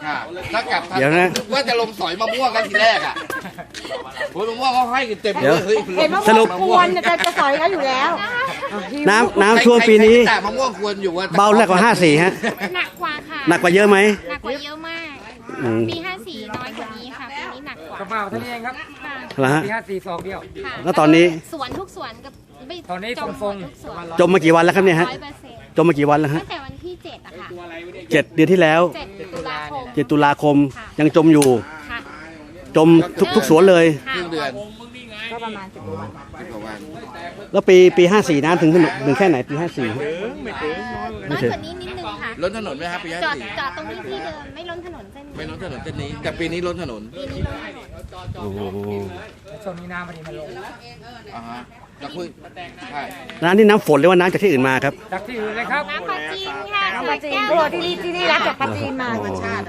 ถ้ากลับทันเดี๋ยวนะว่าจะลงสอยมะม่วงกันทีแรกอ่ะผลมะม่วงเขาให้กันเต็มเลยเฮ้ยเห็นว่าสรุปควรจะสอยเขาอยู่แล้วน้ำท่วมปีนี้แต่มะม่วงควรอยู่ว่าเบาแรกกว่า54ฮะหนักกว่าค่ะหนักกว่าเยอะไหมหนักกว่าเยอะมากอืมปี54น้อยกว่านี้ค่ะ ปีนี้หนักกว่ากระเป๋าเท่านี้เองครับค่ะเหรอฮะปี54 2เดียวค่ะแล้วตอนนี้สวนทุกสวนกับไม่ตอนนี้จมฟงๆทุกสวนจมมากี่วันแล้วครับเนี่ยฮะ 100% จมมากี่วันแล้วฮะตั้งแต่วันที่7อะค่ะ 7 เดือนที่แล้ว 7 ตุลาคม 7 ตุลาคมยังจมอยู่ค่ะจมทุกสวนเลยครึ่งเดือนก็ประมาณ10 กว่าวัน 10 กว่าวันแล้วปี54น้ำถึงแค่ไหนปี54 น้อยกว่านี้นิดนึงค่ะล้นถนนไหมครับปีจอด 54 จอดตรงนี้ที่เดิมไม่ล้นถนนเส้นไม่ล้นถนนเส้นนี้ แต่ปีนี้ล้นถนนปีนี้ล้นถนนโอ้โหช่วงนี้น้ำพอดีมันลงอ่าฮะจะคุยใช่น้ำนี่น้ำฝนหรือว่าน้ำจากที่อื่นมาครับจากที่อื่นเลยครับน้ำปลาจีนค่ะน้ำปลาจีนแก้วตัวที่นี่รับจากปลาจีนมาอ๋อ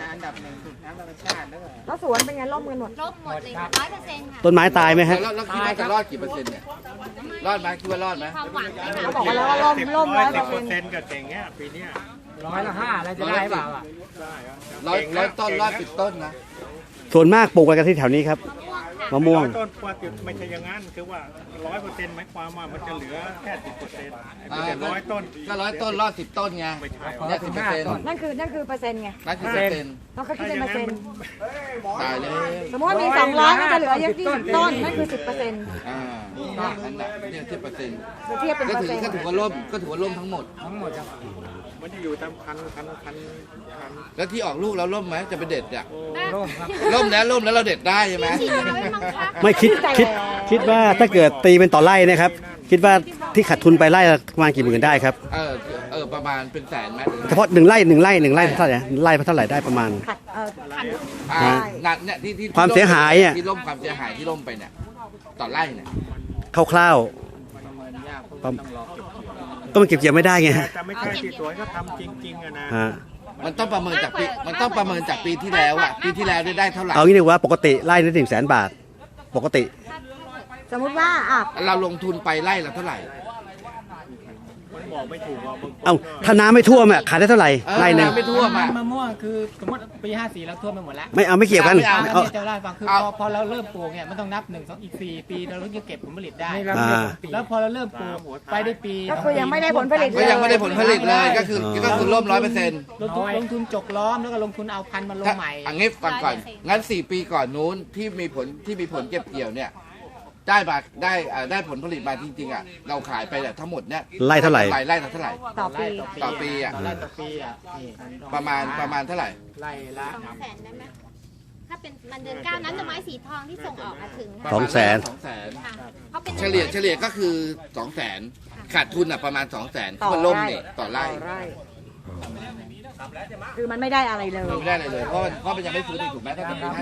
แล้วสวนเป็นไงร่มกันหมดลบหมดเลยค่ะ100%ค่ะต้นไม้ตายไหมฮะแล้วคิดว่าจะรอดกี่เปอร์เซ็นต์เนี่ย รอดไหมคิดว่ารอดไหมความหวังนะคะเขาบอกว่าแล้วว่าร่ม100% กับเก่งเงี้ยปีเนี้ย 100 อะไรจะได้เปล่าอ่ะร้อยต้นรอด10 ต้นนะส่วนมากปลูกกันที่แถวนี้ครับมะม่วงต้นกว่าไม่ใช่อย่างนั้นคือว่า100%หมายความว่ามันจะเหลือแค่10%ไม่ใช่100 ต้นก็100 ต้นรอด10 ต้นไงเนี่ย10% นั่นคือเปอร์เซ็นต์ไงนั่นคือ10% ต้องเขาคิดเป็นเปอร์เซ็นต์ตายเลยสมมติว่ามี200ก็จะเหลืออย่างที่ต้นนั่นคือ10% นั่นแหละเนี่ย10% เทียบเป็นก็เปอร์ถือเซ็นต์ก็ถือว่าล่มก็ถือว่าล่มทั้งหมดทั้งหมดครับมันจะอยู่ตามคันแล้วที่ออกลูกแล้วล่มไหมจะไปเด็ดอ่ะโล่งครับล่มแล้วเราเด็ดได้ใช่ไหมฉีดยาไว้มั้งคะไม่คิดว่าถ้าเกิดตีเป็นต่อไร่นะครับ คิดว่าที่ขาดทุนไปไร่ละประมาณกี่หมื่นได้ครับประมาณเป็นแสนไหมเฉพาะ1 ไร่เท่าไหร่ไร่เท่าไหร่ได้ประมาณขัดหนักเนี่ยที่ความเสียหายอ่ะที่ล่มความเสียหายที่ล่มไปเนี่ยต่อไร่เนี่ยคร่าวๆก็มันเก็บเกี่ยวไม่ได้ไงฮะแต่ไม่ใช่ที่สวนเขาทำจริงๆอะนะฮะมันต้องประเมินจากปีที่แล้วอ่ะปีที่แล้วได้เท่าไหร่เอางี้ดีกว่าปกติไร่ละ100,000 บาท ปกติสมมุติว่าเราลงทุนไปไร่ละเท่าไหร่มันบอกไม่ถูกว่าบางคนเอาถ้าน้ำไม่ท่วมอ่ะขายได้เท่าไหร่ไร่หนึ่งไม่ท่วมอ่ะมะม่วงคือสมมติปี 54 เราท่วมไปหมดแล้วไม่เกี่ยวกันไม่เอาเอาที่จะเล่าให้ฟังคือเอาพอเราเริ่มปลูกเนี่ยมันต้องนับ1 2อีก4 ปีเราถึงจะเก็บผลผลิตได้นี่เราอ่าเรียกปีแล้วพอเราเริ่มปลูกไปได้ปีก็คือยังไม่ได้ผลผลิตก็ยังไม่ได้ผลผลิตเลยก็คือล่ม100% ลงทุนจกล้อมแล้วก็ลงทุนเอาพันธุ์มาลงใหม่อันนี้ฟังก่อนงั้น4 ปีก่อนนู้นที่มีผลเก็บเกี่ยวเนี่ยได้ผลผลิตมาจริงๆอ่ะเราขายไปเนี่ยทั้งหมดเนี่ยไร่เท่าไหร่ไร่ละเท่าไหร่ต่อปีต่อปีอ่ะไร่ต่อปีอ่ะนี่ประมาณเท่าไหร่ไร่ละ 200,000ได้ไหมถ้าเป็นมันเดือน9นั้นจะไม้สีทองที่ส่งออกมาถึงประค่ะมาณ 200,000 ค่ะเพราะเป็นเฉลี่ยก็คือ 200,000ขาดทุนอ่ะประมาณ 200,000 ต่อก็ล่มไร่เนี่ยต่อไร่คือมันไม่ได้อะไรเลยไม่ได้เลยเพราะมันยังไม่ฟื้นอีกถูกไหมถ้าเป็นปี54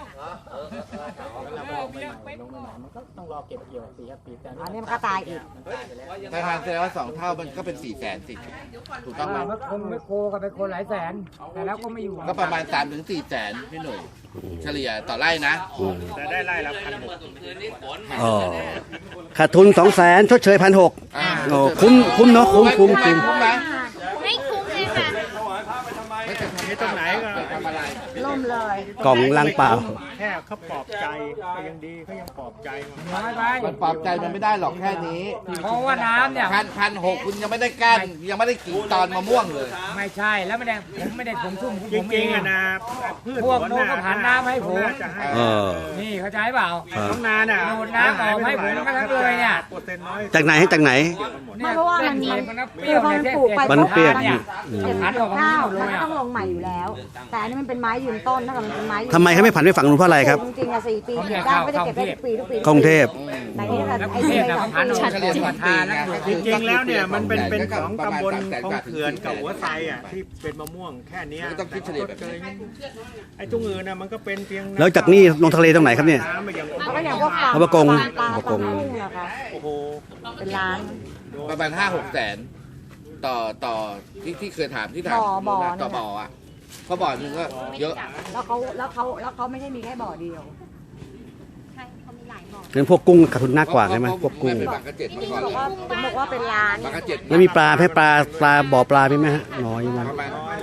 เราลงใหม่มันก็ต้องรอเก็บเกี่ยว4 5 ปีแต่อันนี้มันก็ตายอีกถ้าทานแสดงว่า2 เท่ามันก็เป็น 400,000สิถูกต้องไหมไม่โคกันไปคนหลายแสน แต่แล้วก็ไม่อยู่ก็ประมาณ 3-400,000พี่หนุ่ยเฉลี่ยต่อไร่นะแต่ได้ไร่ละ1,600 อ๋อขาดทุน200,000ชดเชย1,600 อ่าโอ้คุ้มเนาะคุ้มไหมคุ้มไม่คุ้มเลยค่ะไม่จะทำนี่ตรงไหนก็ทำอะไรล่มเลยกล่องลังเปล่าแค่เขาปลอบใจก็ยังดีเขายังปลอบใจมาน้อยไปมันปรับใจมันไม่ได้หรอกแค่นี้เพราะว่าน้ำเนี่ย 1,600คุณยังไม่ได้ก้านยังไม่ได้กิ่งตอนมะม่วงเลยไม่ใช่แล้วไม่ได้ผมไม่ได้ผมซุ่มจผมเอริงงๆอะนะพืชพวกสวนโน้นก็ผ่านน้ำให้ผมน่าจะให้เออนี่เข้าใจเปล่าน้องนาน่ะดูดน้ำออกให้ผมมาทั้งเลยเนี่ยเปอร์เซ็นต์น้อยจากไหนให้จากไหนไม่เพราะว่ามันเปรี้ยวพอเนี่ยมันปลูกไปมันเปรี้ยวเนี่ยเก็บผ่านออกข้าวเลมันยก็อ่ะต้องลงใหม่อยู่แล้ว แต่อันนี้มันเป็นไม้ยืนต้นถ้าเกิดมันเป็นไม้ยืนทำไมเขาไม่ผันไปฝั่งนู้นเพราะอะไรครับจริงๆอะ4 ปีเก็บได้ไม่ได้เก็บได้ทุกปีกรุงเทพแต่นี่ถ้าแล้วกไอ้รุงเทที่พไปนะสองผ่านปีออกเฉลี่ยประ 2 ธานปีแล้วจริงๆแล้วเนี่ยมันเป็นของประมาณตำบล 300,000 คลองเขื่อนกับหัวไซอ่ะที่เป็นมะม่วงแค่เนี้ยก็ต้องคิดเฉลี่ยแบบนี้ไอ้ตรงอื่นน่ะมันก็เป็นเพียงแล้วจากนี่ลงทะเลตรงไหนครับเนี่ยน้ำมาอย่างมันก็อย่างพวกปลาเอาปลากงปลาปลากงกุ้งนะคะโอ้โหเป็นล้านประมาณ 5-6 แสนต่อที่เคยถามที่ถามบ่อต่อบ่ออ่ะเพราะบ่อหนึงก็เยอะแล้วเขาไม่ใช่มีแค่บ่อเดียวใช่เขามีหลายบ่องั้นพวกกุ้งขาดทุนมากกว่าใช่ไหมพวกกุ้งไม่เป็นบางกระเจ็ดมาก่อนบอกว่าเป็นล้านบางกระเจ็ดแล้วมีปลาให้ปลาบ่อปลาไหมฮะน้อยมากประมาณ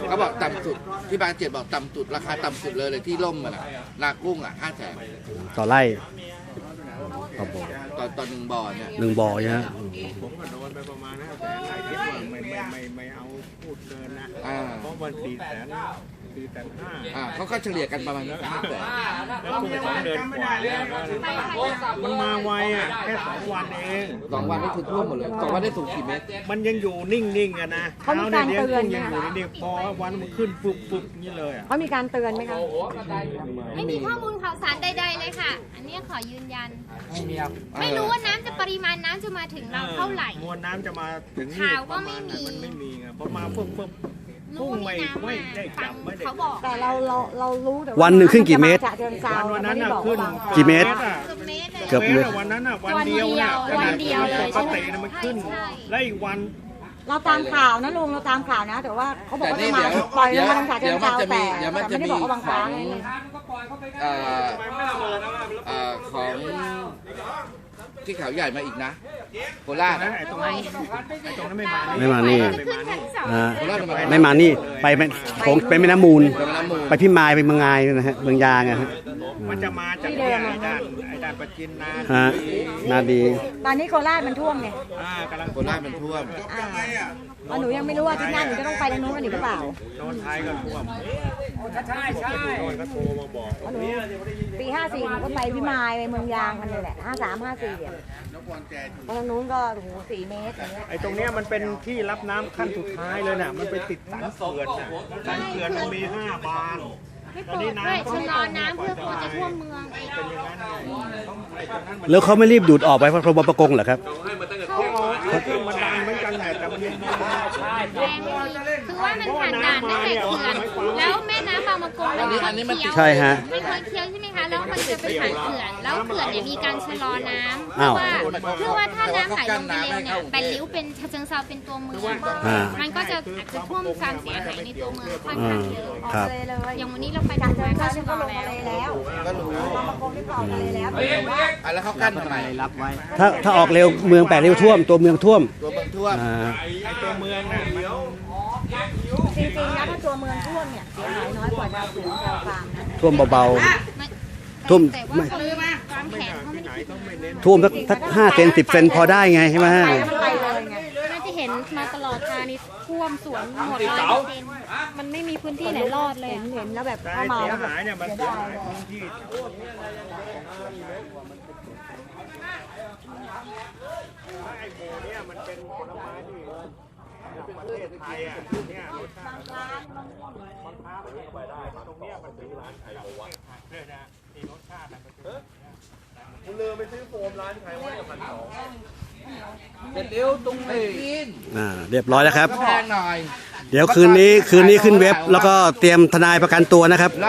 เขาบอกต่ำสุดที่บางเจ็ดบอกต่ำสุดราคาต่ำสุดเลยที่ล่มมันนากุ้ง500,000 ต่อไร่ต่อบ่อต่อหนึ่งบ่อเนี่ยหนึ่งบ่อใช่ไหมผมก็โดนไปประมาณ500,000หลายคิดว่าไม่เอาพูดเกินนะ เพราะมัน400,000 เขาก็เฉลี่ยกันประมาณ500,000 แล้วคุณ2 เดือนกว่าแล้วมันมาไวอ่ะแค่2 วันเอง 2 วันนี่คือท่วมหมดเลย2 วันได้สูงกี่เมตรมันยังอยู่นิ่งๆอะนะเขามีการเตือนไหมยังอยู่นิ่งๆพอวันมันขึ้นปุ๊บๆนี่เลยอ่ะเขามีการเตือนไหมคะไม่มีข้อมูลข่าวสารใดๆเลยค่ะ อันนี้ขอยืนยันไม่มีครับไม่รู้ว่าน้ำจะปริมาณน้ำจะมาถึงเราเท่าไหร่มวลน้ำจะมาถึงนี่ข่าวก็ไม่มีมันไม่มีไงพอมาปุ๊บพุ่งไม่ได้จับไม่ได้เขาบอกแต่เรารู้แต่วันหนึ่งขึ้นกี่เมตรฉะเชิงเทราวันนั้นไม่น่ะได้บอกขึ้นว่ากี่เมตรเกือบเมตรเลยเกือบเมตรวันนั้นน่ะวันเดียวน่ะวันเดียวเลยปกติน่ะมันขึ้นใช่แล้วอีกวันเราตามข่าวนะลุงเราตามข่าวนะ แต่ว่าเขาบอกแต่ว่านี่จะมาเดี๋ยวปล่อยลงมาทางฉะเดี๋เชิยวงมันเทราจะมีแต่เดี๋ยวมันไม่จะได้มีบอกว่าบางขคอรั้งงของที่เขาใหญ่มาอีกนะโคราชไอ้ตรงนั้นไม่มาไม่มานี่จะขึ้นชั้น2 อ่าไม่มานี่ไปของเป็นแม่น้ำมูล ไปพิมายไปเมืองงายนะฮะเมืองยางนะฮะมันจะมาจากเนี่ยไอ้ด้านประจินนาฮะนาดีตอนนี้โคราชมันท่วมไงกำลังโคราชมันท่วมหนูยังไม่รู้ว่าที่หน้าหนูจะต้องไปทางนู้นกันอีกหรือเปล่าโดนท้ายก็ท่วมใช่ใช่โดนก็โทรมาบอกหนูปี54หนูก็ไปพิมายไปเมืองยางกันเลยแหละ53 54เนี่ยเพราะทางนู้นก็โอ้โห4 เมตรอย่างเงี้ยไอ้ตรงเนี้ยมันเป็นที่รับน้ำขั้นสุดท้ายเลยน่ะมันไปติดสันเขื่อนน่ะสันเขื่อนมันมี5 บานให้เปิดด้วยชะลอน้ำเพื่อกลัวจะท่วมเมืองอีกเป็นอย่างนั้นไงไอ้ตรงนั้นมันแล้วเขาไม่รีบดูดออกไปเพราะพรบประกงเหรอครับเครื่องมันดันเหมือนกันแหละแต่มันยังแรงเลยคือว่ามันผ่านด่านตั้งแต่เขื่อนแล้วแม่น้ำบางประกงมันไม่เคยเคี้ยวใช่ฮะไม่เคยเคี้ยวใช่ไหมคะแล้วมันจะไปผ่านเขื่อนแล้วเขื่อนเนี่ยมีการชะลอน้ำเพื่อ้าอวว่าถ้าน้ำไหลลงไปเร็วเนี่ยแปดริ้วเป็นฉะเชิงเทราเป็นตัวเมืองอ่ามันก็จะอาจจะท่วมความเสียหายในตัวเมืองค่อนข้างเยอะครับเลยเลยอย่างวันนี้เราไปฉะทางเชิมาง ก็เทราชะนี่ลก็อลงแล้วมาเลยแล้วก็รู้บางประกงนี่ก็ออกมาเลยแล้วแต่ว่าแล้วเขากั้นทำไมถ้าออกเร็วเมือง8 ริ้วท่วมตัวเมืองท่วมตัวเมืองท่วมอ่าไอ้ตัวเมืองน่ะมันจริงๆนะถ้าตัวเมืองท่วมเนี่ยเสียหายน้อยกว่าดาวเสือดาวฟางนะท่วมเบา ท่วมแต่ว่าเขาวางแผนเขาไม่ได้คิดๆท่วมสัก5 เซน10 เซนพอได้ไงใช่ไหมไปแล้วมันไปเลยไงน่าจะเห็นมาตลอดทางนี้ท่วมสวนหมด100%มันไม่มีพื้นที่ไหนรอดเลยเห็นแล้วแบบแต่เข้ามาเสียแล้วแบบหายเนี่ยมันเสียหายพื้นที่ไอ้หมูเนี่ยมันเป็นผลไม้ที่ประเทศไทยอ่ะเนี่ยรสชาติมันค้ามันไม่ไปได้ตรงเนี้ยมันเป็นร้านไข่หมูอ่ะเนี่ยนะที่รสชาติมันเป็นเสร็จเร็วตรงนี้กินเรียบร้อยแล้วครับแพงหน่อยเดี๋ยวคืนนี้ขึ้นเว็บแล้วก็เตรียมทนายประกันตัวนะครับ